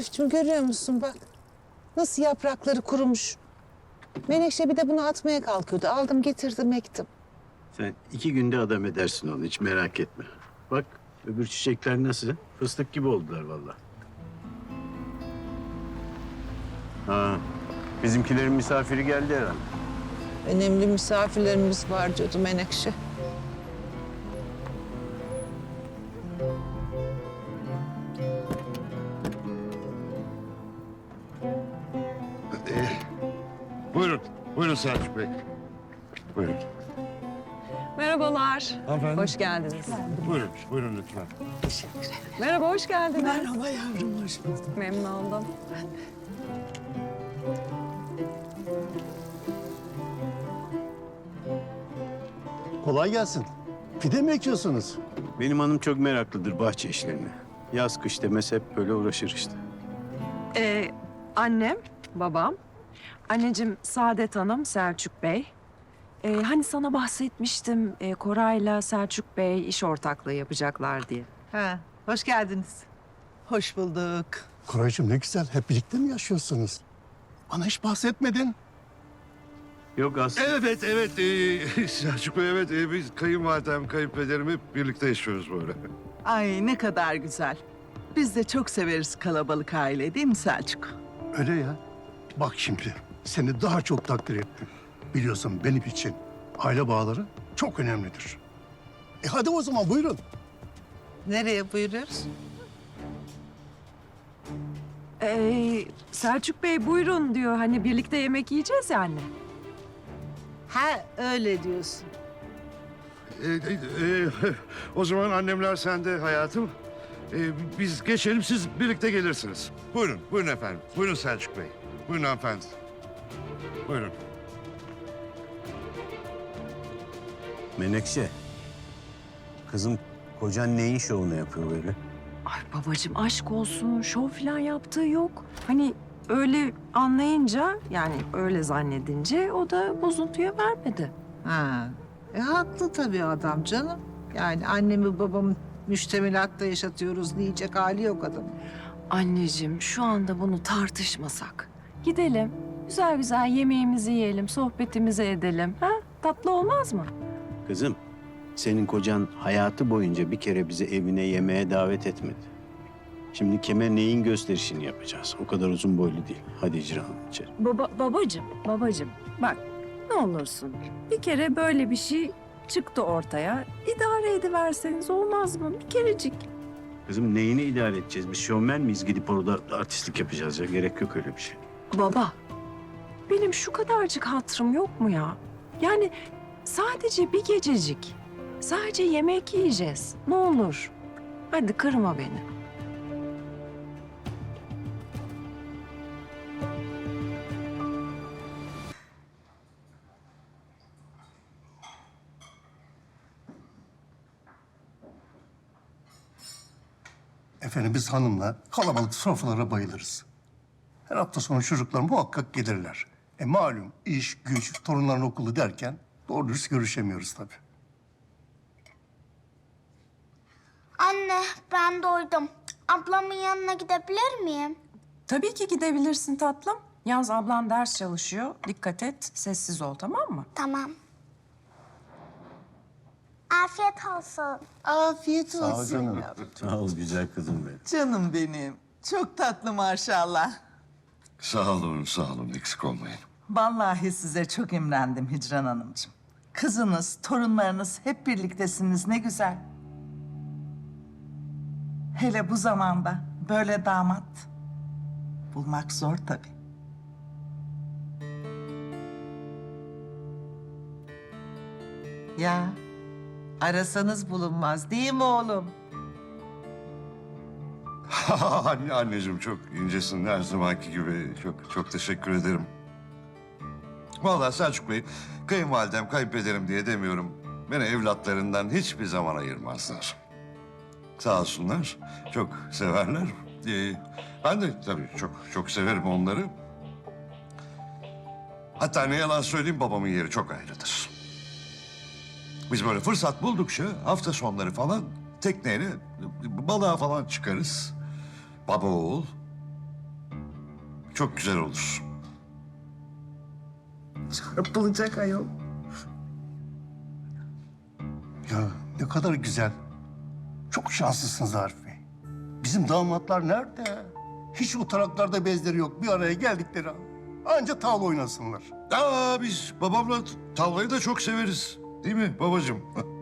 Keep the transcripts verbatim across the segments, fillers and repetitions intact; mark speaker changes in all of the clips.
Speaker 1: Arif'cim görüyor musun bak. Nasıl yaprakları kurumuş. Menekşe bir de bunu atmaya kalkıyordu. Aldım getirdim ektim.
Speaker 2: Sen iki günde adam edersin onu, hiç merak etme. Bak öbür çiçekler nasıl? Fıstık gibi oldular vallahi. Ha, bizimkilerin misafiri geldi herhalde.
Speaker 1: Önemli misafirlerimiz var diyordu Menekşe.
Speaker 3: Ee, buyurun, buyurun Selçuk Bey. Buyurun.
Speaker 4: Merhabalar.
Speaker 3: Hanımefendi.
Speaker 4: Hoş geldiniz.
Speaker 3: Buyurun, buyurun lütfen.
Speaker 4: Merhaba, hoş geldiniz.
Speaker 1: Merhaba yavrum, hoş bulduk.
Speaker 4: Memnun oldum.
Speaker 5: Kolay gelsin. Pide mi ekiyorsunuz?
Speaker 2: Benim hanım çok meraklıdır bahçe işlerine. Yaz kış demez hep böyle uğraşır işte.
Speaker 4: Ee, annem, babam. Anneciğim Saadet Hanım, Selçuk Bey. Ee, hani sana bahsetmiştim e, Koray'la Selçuk Bey iş ortaklığı yapacaklar diye.
Speaker 6: Ha, hoş geldiniz. Hoş bulduk.
Speaker 5: Koraycığım ne güzel. Hep birlikte mi yaşıyorsunuz? Bana hiç bahsetmedin.
Speaker 2: Yok aslında.
Speaker 3: Evet, evet. ee, Selçuk Bey, evet. ee, biz kayınvalidem, kayınpederim hep birlikte yaşıyoruz böyle.
Speaker 6: Ay ne kadar güzel. Biz de çok severiz kalabalık aile değil mi Selçuk?
Speaker 5: Öyle ya. Bak şimdi seni daha çok takdir ettim. Biliyorsun benim için aile bağları çok önemlidir. E hadi o zaman buyurun.
Speaker 6: Nereye buyuruyoruz?
Speaker 4: Ee, Selçuk Bey buyurun diyor. Hani birlikte yemek yiyeceğiz ya anne.
Speaker 6: Ha öyle diyorsun.
Speaker 3: Ee, ee, o zaman annemler sende hayatım. Ee, biz geçelim, siz birlikte gelirsiniz. Buyurun, buyurun efendim. Buyurun Selçuk Bey. Buyurun hanımefendi. Buyurun.
Speaker 2: Menekşe. Kızım kocan neyin şovunu yapıyor böyle?
Speaker 4: Ay babacığım aşk olsun. Şov falan yaptığı yok. Hani öyle anlayınca yani öyle zannedince o da bozuntuya vermedi.
Speaker 6: Ha, e, haklı tabii adam canım. Yani annemi babamı müştemilatta yaşatıyoruz diyecek hali yok adamın.
Speaker 4: Anneciğim şu anda bunu tartışmasak. Gidelim, güzel güzel yemeğimizi yiyelim, sohbetimizi edelim. Ha? Tatlı olmaz mı?
Speaker 2: Kızım, senin kocan hayatı boyunca bir kere bizi evine yemeğe davet etmedi. Şimdi kime neyin gösterişini yapacağız? O kadar uzun boylu değil. Hadi icra hanım içeri.
Speaker 4: Baba, babacığım, babacığım bak ne olursun. Bir kere böyle bir şey çıktı ortaya. İdare ediverseniz olmaz mı? Bir kerecik.
Speaker 2: Kızım neyini idare edeceğiz? Biz şovmen miyiz? Gidip orada artistlik yapacağız ya. Gerek yok öyle bir şey.
Speaker 4: Baba, benim şu kadarcık hatırım yok mu ya? Yani sadece bir gececik. Sadece yemek yiyeceğiz. Ne olur. Hadi kırma beni.
Speaker 5: Efendim biz hanımla kalabalık sofralara bayılırız. Her hafta sonu çocuklar muhakkak gelirler. E malum iş, güç, torunların okulu derken doğru dürüst görüşemiyoruz tabii.
Speaker 7: Anne, ben doydum. Ablamın yanına gidebilir miyim?
Speaker 8: Tabii ki gidebilirsin tatlım. Yalnız ablan ders çalışıyor. Dikkat et, sessiz ol tamam mı?
Speaker 7: Tamam. Afiyet olsun.
Speaker 6: Afiyet
Speaker 5: Sağ ol
Speaker 6: olsun.
Speaker 5: canım.
Speaker 2: Sağ ol güzel kızım benim.
Speaker 6: Canım benim. Çok tatlı maşallah.
Speaker 3: Sağ olun, sağ olun. Eksik olmayın.
Speaker 9: Vallahi size çok imrendim Hicran Hanımcığım. Kızınız, torunlarınız hep birliktesiniz ne güzel. Hele bu zamanda böyle damat bulmak zor tabii.
Speaker 6: Ya arasanız bulunmaz değil mi oğlum?
Speaker 3: Anne, anneciğim çok incesin her zamanki gibi. Çok çok teşekkür ederim. Vallahi Selçuk Bey, kayınvalidem, kayınpederim diye demiyorum. Beni evlatlarından hiçbir zaman ayırmazlar. Sağ olsunlar, çok severler. Ee, ben de tabii çok çok severim onları. Hatta ne yalan söyleyeyim, babamın yeri çok ayrıdır. Biz böyle fırsat buldukça hafta sonları falan tekneyle balığa falan çıkarız. Baba oğul. çok güzel olur.
Speaker 6: Çarpılacak ayol.
Speaker 5: Ya ne kadar güzel. Çok şanslısınız Arif Bey. Bizim damatlar nerede? Hiç o taraklarda bezleri yok. Bir araya geldikleri an. Anca tavla oynasınlar.
Speaker 3: Aa, biz babamla tavlayı da çok severiz. Değil mi babacığım?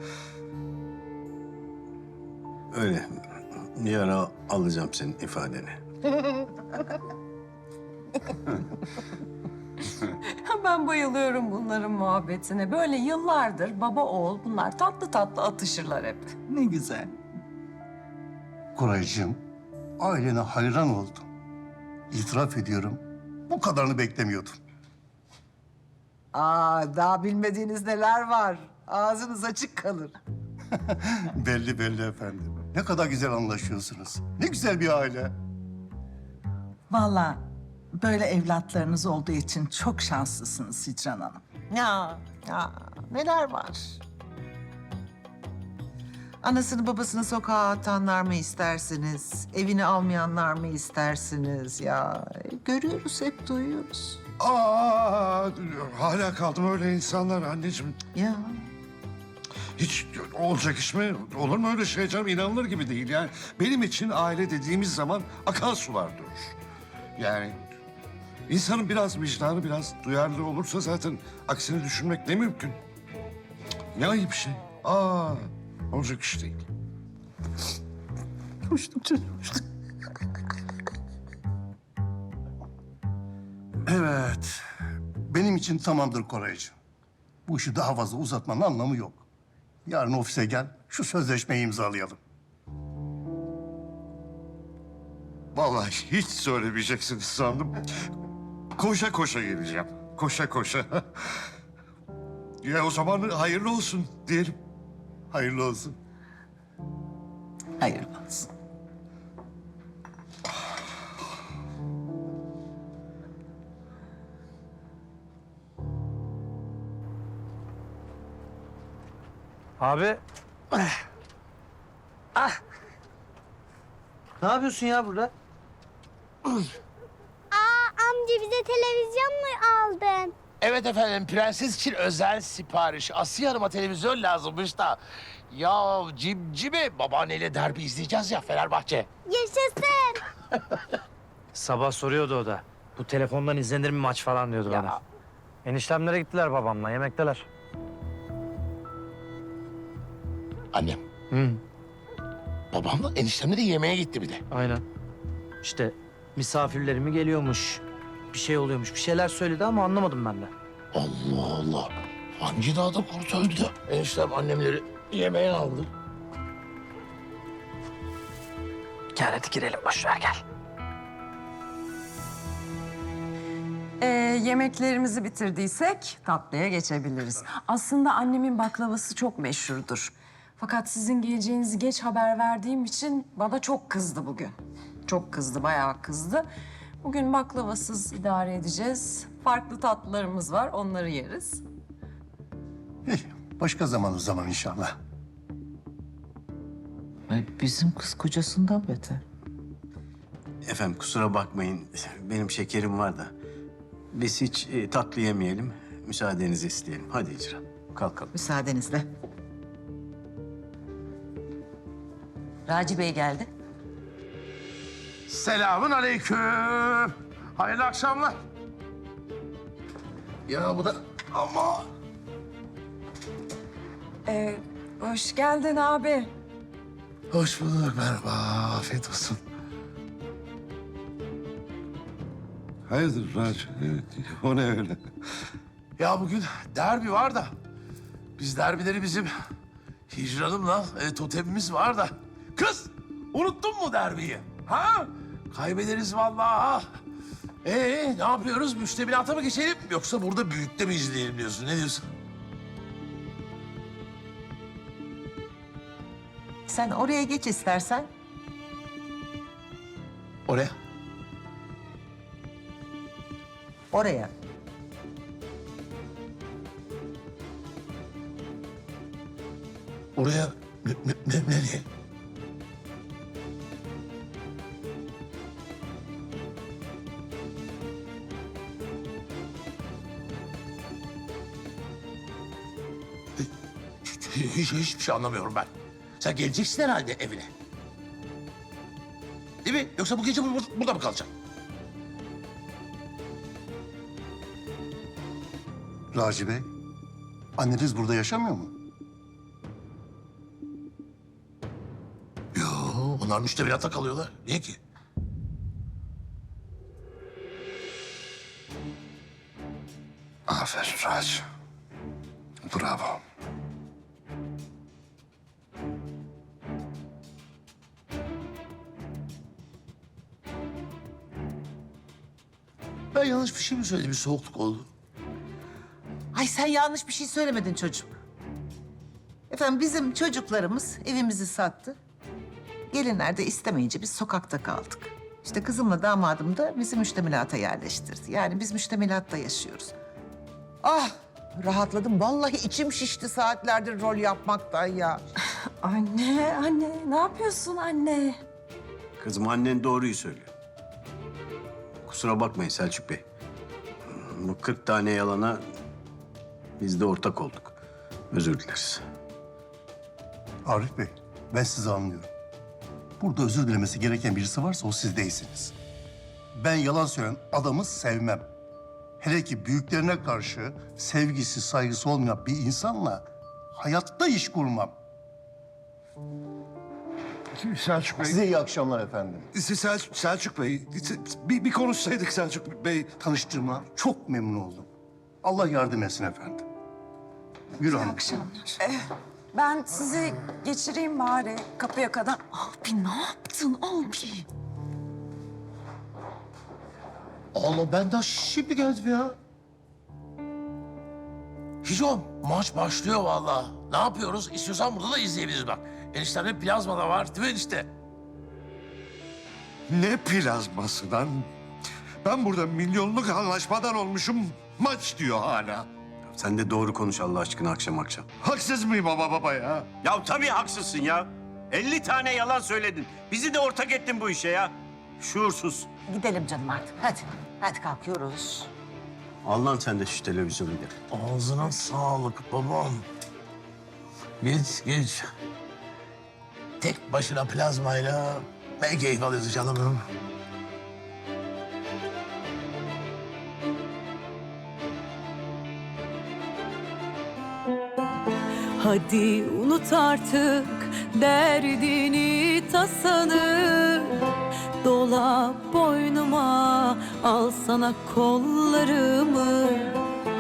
Speaker 2: Öyle. Bir ara alacağım senin ifadeni.
Speaker 8: Ben bayılıyorum bunların muhabbetine. Böyle yıllardır baba oğul bunlar tatlı tatlı atışırlar hep.
Speaker 9: Ne güzel.
Speaker 5: Koraycığım, ailene hayran oldum. İtiraf ediyorum, bu kadarını beklemiyordum.
Speaker 6: Aa, daha bilmediğiniz neler var. Ağzınız açık kalır.
Speaker 5: Belli belli efendim. Ne kadar güzel anlaşıyorsunuz. Ne güzel bir aile.
Speaker 9: Vallahi böyle evlatlarınız olduğu için çok şanslısınız Hicran Hanım.
Speaker 6: Ya, ya neler var? Anasını babasını sokağa atanlar mı istersiniz? Evini almayanlar mı istersiniz ya? Görüyoruz, hep duyuyoruz.
Speaker 3: Aa, hala kaldım öyle insanlar anneciğim.
Speaker 6: Ya
Speaker 3: Hiç olacak iş mi? Olur mu öyle şey canım? İnanılır gibi değil yani. Benim için aile dediğimiz zaman akan sular durur. Yani insanın biraz vicdanı biraz duyarlı olursa zaten aksini düşünmek ne mümkün. Ne ayıp bir şey. Aa, olacak iş değil.
Speaker 5: Hoştum canım, hoştum. Evet, benim için tamamdır Koraycığım. Bu işi daha fazla uzatmanın anlamı yok. Yarın ofise gel, şu sözleşmeyi imzalayalım.
Speaker 3: Vallahi hiç söylemeyeceksiniz sandım. Koşa koşa geleceğim. Koşa koşa. Ya o zaman hayırlı olsun diyelim.
Speaker 5: Hayırlı olsun.
Speaker 9: Hayırlı olsun.
Speaker 10: Abi. Ah. Ne yapıyorsun ya burada?
Speaker 7: Aa, amca bize televizyon mu aldın?
Speaker 11: Evet efendim, prenses için özel sipariş. Asiye Hanım'a televizyon lazımmış da. Ya cimcime, babaanneyle derbi izleyeceğiz ya Fenerbahçe.
Speaker 7: Yaşasın.
Speaker 10: Sabah soruyordu o da. Bu telefondan izlenir mi maç falan diyordu
Speaker 11: Ya.
Speaker 10: bana. Eniştemlere gittiler babamla, yemekteler.
Speaker 11: Annem,
Speaker 10: Hı,
Speaker 11: babamla eniştemle de yemeğe gitti bir de.
Speaker 10: aynen. İşte misafirlerimi geliyormuş. Bir şey oluyormuş. Bir şeyler söyledi ama anlamadım ben de.
Speaker 11: Allah Allah. Hangi dağda kurt öldü? Eniştem annemleri yemeğe aldı.
Speaker 10: Gel hadi girelim, boş ver gel.
Speaker 8: Ee, yemeklerimizi bitirdiysek tatlıya geçebiliriz. Aslında annemin baklavası çok meşhurdur. Fakat sizin geleceğinizi geç haber verdiğim için bana çok kızdı bugün. Çok kızdı, bayağı kızdı. Bugün baklavasız idare edeceğiz. Farklı tatlılarımız var, onları yeriz.
Speaker 5: Eh, başka zaman o zaman inşallah.
Speaker 6: bizim kız kocasından beter.
Speaker 2: Efendim kusura bakmayın. Benim şekerim var da. Biz hiç e, tatlı yemeyelim. Müsaadenizi isteyelim. Hadi İcran. Kalkalım.
Speaker 6: Müsaadenizle. Raci Bey geldi.
Speaker 11: Selamün aleyküm. Hayırlı akşamlar. Ya bu da ama
Speaker 8: Ee, hoş geldin abi.
Speaker 11: hoş bulduk, merhaba. Afiyet olsun.
Speaker 3: Hayırdır Raci? Evet, o ne öyle?
Speaker 11: Ya bugün derbi var da biz derbileri bizim Hicran'ımla e, totemimiz var da. Kız unuttun mu derbiyi? Ha? Kaybederiz vallahi. Ee ne yapıyoruz? Müştemilata mı geçelim yoksa burada büyükte mi izleyelim diyorsun? Ne diyorsun?
Speaker 6: Sen oraya geç istersen.
Speaker 11: Oraya.
Speaker 6: Oraya.
Speaker 11: Oraya ne, ne, ne, nereye? Hiç, hiçbir şey anlamıyorum ben. Sen geleceksin herhalde evine. Değil mi? Yoksa bu gece bur- burada mı kalacaksın?
Speaker 5: Raci Bey, anneniz burada yaşamıyor mu?
Speaker 11: Yo, onlar müştemilatta kalıyorlar. Niye ki?
Speaker 3: Aferin Raci. Bravo.
Speaker 11: Ben yanlış bir şey mi söyledim? Bir soğukluk oldu.
Speaker 6: Ay sen yanlış bir şey söylemedin çocuğum. Efendim bizim çocuklarımız evimizi sattı. Gelinler de istemeyince biz sokakta kaldık. İşte kızımla damadım da bizi müştemilata yerleştirdi. Yani biz müştemilatta yaşıyoruz. Ah rahatladım. Vallahi içim şişti saatlerdir rol yapmaktan ya.
Speaker 8: Anne, anne ne yapıyorsun anne?
Speaker 2: Kızım annen doğruyu söylüyor. Kusura bakmayın Selçuk Bey. Bu kırk tane yalana biz de ortak olduk. Özür dileriz.
Speaker 5: Arif Bey, ben sizi anlıyorum. Burada özür dilemesi gereken birisi varsa o siz değilsiniz. Ben yalan söyleyen adamı sevmem. Hele ki büyüklerine karşı sevgisi, saygısı olmayan bir insanla hayatta iş kurmam.
Speaker 3: Selçuk Bey.
Speaker 5: Size iyi akşamlar efendim.
Speaker 3: Sel Selçuk Bey, bir, bir konuşsaydık Selçuk Bey.
Speaker 5: Tanıştığıma çok memnun oldum. Allah yardım etsin efendim. Yürü hanım.
Speaker 8: Ben sizi geçireyim bari kapıya kadar. Abi ne yaptın abi?
Speaker 11: Allah ben daha şimdi geldim ya. Hicom maç başlıyor vallahi. Ne yapıyoruz? İstiyorsan burada da izleyebiliriz bak. Eniştemde plazma da var değil mi enişte?
Speaker 3: Ne plazması lan? Ben burada milyonluk anlaşmadan olmuşum. Maç diyor hala.
Speaker 2: Sen de doğru konuş Allah aşkına akşam akşam.
Speaker 3: Haksız mıyım baba baba ya?
Speaker 2: Ya tabii haksızsın ya. elli tane yalan söyledin. Bizi de ortak ettin bu işe ya. Şuursuz.
Speaker 6: Gidelim canım artık. Hadi. Hadi kalkıyoruz.
Speaker 2: Al lan sen de şu televizyonu gel.
Speaker 11: Ağzına sağlık babam. Geç geç. Tek başına plazmayla ne keyif alıyorsun canım benim.
Speaker 12: Hadi unut artık derdini tasanı. Dola boynuma, al sana kollarımı.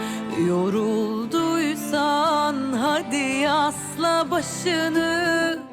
Speaker 12: Yorulduysan hadi asla başını.